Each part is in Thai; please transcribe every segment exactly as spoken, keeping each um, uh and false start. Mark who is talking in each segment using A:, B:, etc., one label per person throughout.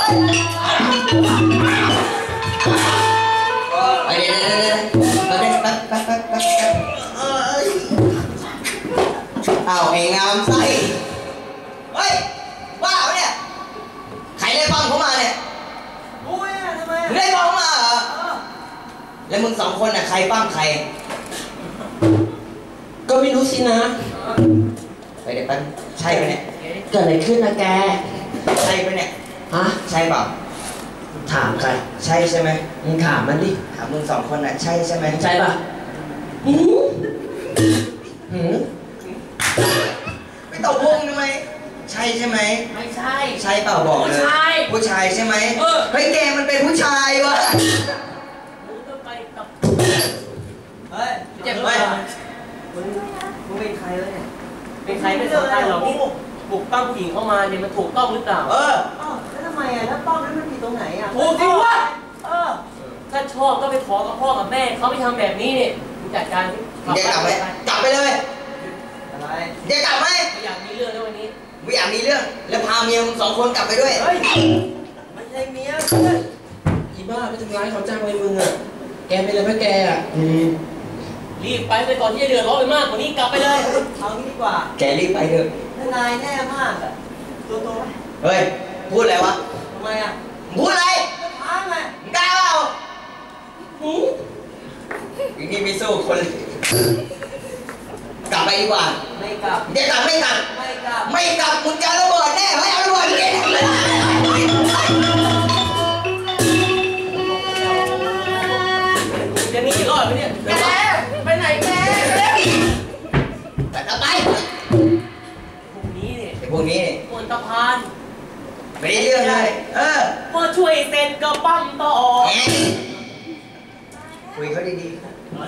A: ไปเดี๋ยวเดี๋ยวเดี๋ยวแป๊บแป๊บแป๊บแป๊บแป๊บเอาไอ้งามไส้เฮ้ยว้าวเนี่ยใครได้ปั้มเขามาเนี่ยกูเนี่ยทำไมได้ปั้มมาเหรอแล้วมึงสองคนน่ะใครปั้มใครก็ไม่รู้สินะไปเดี๋ยวแป๊บใช่ปะเนี่ยเกิดอะไรขึ้นนะแกใช่ปะเนี่ยฮะใช่เปล่าถามใครใช่ใช่ไหมมึงถามมันดิถามมึงสองคนน่ะใช่ใช่ไหมใช่ป่ะหืมหืมไม่ตอบวงทำไมใช่ใช่ไหมไม่ใช่ใช่เปล่าบอกเลยผู้ชายผู้ชายใช่ไหมเออเฮ้ยแกมันเป็นผู้ชายวะมึงต้องไปกับเฮ้ยเจ็บไหมมึงมึงเป็นใครวะเนี่ยเป็นใครไม่สำคัญหรอกปลุกปั้มผู้หญิงเข้ามาเนี่ยมันถูกต้องหรือเปล่าเออแล้วทำไมอ่ะแล้วป้อมนั้นมันผิดตรงไหนอ่ะถูกจริงวะเออถ้าชอบก็ไปขอกับพ่อกับแม่เขาไม่ทำแบบนี้เนี่ยมึงจัดการเดี๋ยวกลับไปกลับไปเลยอะไรเดี๋ยวกลับไหมไม่อยากมีเรื่องแล้ววันนี้ไม่อยากมีเรื่องแล้วพาเมียมึงสองคนกลับไปด้วยเฮ้ยไม่ใช่เมียอีบ้าไปทำร้ายเขาจ้างไว้มึงอ่ะแกไปเลยพ่อแกอ่ะรีบไปไปก่อนที่จะเดือดร้อนไปมากกว่านี้กลับไปเลยเอางี้ดีกว่าแกรีบไปเถอะนายแน่มากอะตัวโตไหมเฮ้ยพูดอะไรวะทำไมอ่ะพูดอะไรท้าไงกล้าเปล่าหืมอย่างนี้ไม่สู้คนกลับไปดีกว่าไม่กลับเดี๋ยวกลับไม่กลับไม่กลับไม่กลับมึงจะระเบิดแน่ไม่เอาระเบิดเก่งเลยจะมีกี่รอบไหมเนี่ยแม่ไปไหนแม่ไปต่อไปพวกนี้เนี่ยพวกนี้ปวดตะพานไม่ได้เรื่องเลยเออพอช่วยเซ็นก็ปั้มต่อคุยเขาดีๆ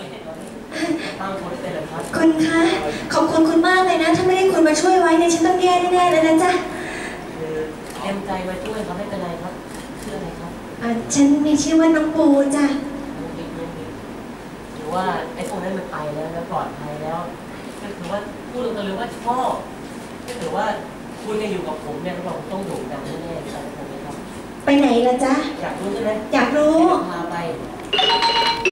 B: คุณคะขอบคุณคุณมากเลยนะถ้าไม่ได้คุณมาช่วยไว้เนี่ยฉันต้องแย่แน่ๆเลยนะจ๊ะ
A: คือเต็มใจมาช่วยเขาไม่เป็นไรครับชื่ออะไรครับ
B: อ่าฉันมีชื่อว่าน้องปูจ้ะ
A: หรือว่าไอ้พวกนั้นมันไปแล้วแล้วปลอดภัยแล้วก็ถือว่าพูดตรงๆเลยว่าชอบก็ถือว่าคุณยังอยู่กับผมเนี่ยเราต้องโด่งดังแน่ๆใช่ไหมครับ
B: ไปไหนล่ะจ๊ะ
A: อยากรู้ใช่ไหม
B: อยากรู้
A: พาไป